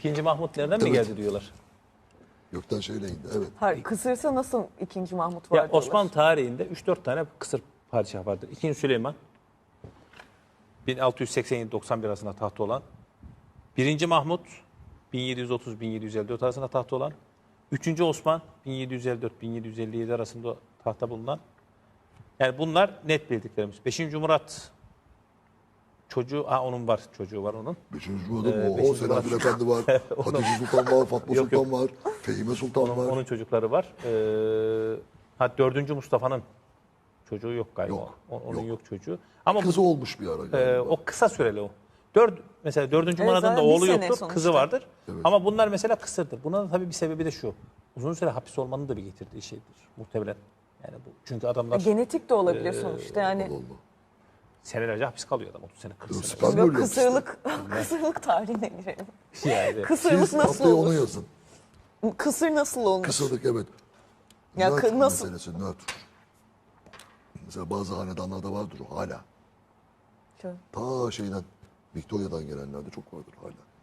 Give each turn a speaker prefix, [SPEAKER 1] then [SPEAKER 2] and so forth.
[SPEAKER 1] İkinci Mahmut nereden mi geldi diyorlar.
[SPEAKER 2] Gökten şeyle indi. Evet.
[SPEAKER 3] Hayır, kısırsa nasıl 2. Mahmut var
[SPEAKER 1] Ya
[SPEAKER 3] diyorlar.
[SPEAKER 1] Osmanlı tarihinde 3-4 tane kısır padişah vardır. İkinci Süleyman 1687-91 arasında tahtta olan. Birinci Mahmut 1730-1754 arasında tahtta olan. Üçüncü Osman 1754-1757 arasında tahta bulunan. Yani bunlar net bildiklerimiz. Beşinci Murat çocuğu, onun var, çocuğu var onun.
[SPEAKER 2] Beşinci Cumhur'da o
[SPEAKER 1] Beşinci
[SPEAKER 2] Selahattin
[SPEAKER 1] Murat.
[SPEAKER 2] Efendi var. Hatice Sultan var. Fatma
[SPEAKER 1] Yok,
[SPEAKER 2] Sultan var. Fehime Sultan var.
[SPEAKER 1] Onun çocukları var. Dördüncü Mustafa'nın çocuğu yok galiba.
[SPEAKER 2] Yok,
[SPEAKER 1] Onun
[SPEAKER 2] yok.
[SPEAKER 1] yok çocuğu. Ama
[SPEAKER 2] Kızı olmuş bir ara galiba.
[SPEAKER 1] o kısa süreli o. Mesela dördüncü
[SPEAKER 3] Evet,
[SPEAKER 1] Murad'ın da
[SPEAKER 3] zaten bir
[SPEAKER 1] oğlu
[SPEAKER 3] sene
[SPEAKER 1] yoktur,
[SPEAKER 3] sonuçta.
[SPEAKER 1] kızı vardır.
[SPEAKER 2] Evet.
[SPEAKER 1] Ama bunlar mesela kısırdır. Buna da tabii bir sebebi de şu. Uzun süre hapis olmanın da bir getirdiği şeydir muhtemelen. Yani bu çünkü adamlar
[SPEAKER 3] Genetik de olabilir sonuçta yani.
[SPEAKER 2] Allah Allah.
[SPEAKER 1] senelerce hapis kalıyor adam 30 sene 40 sene.
[SPEAKER 2] Sperm
[SPEAKER 3] Yok,
[SPEAKER 2] ölüyor
[SPEAKER 3] kısırlık tarihine girelim.
[SPEAKER 1] Yani,
[SPEAKER 3] Kısırlık
[SPEAKER 2] Siz
[SPEAKER 3] nasıl
[SPEAKER 2] haftaya onu
[SPEAKER 3] olur?
[SPEAKER 2] yazın.
[SPEAKER 3] Kısır nasıl olmuş?
[SPEAKER 2] Kısırlık evet.
[SPEAKER 3] Ya
[SPEAKER 2] Nötr
[SPEAKER 3] nasıl?
[SPEAKER 2] meselesi nötr. Mesela bazı hanedanlarda vardır o hala.
[SPEAKER 3] Şöyle.
[SPEAKER 2] Ta şeyden Victoria'dan gelenlerde çok vardır hala.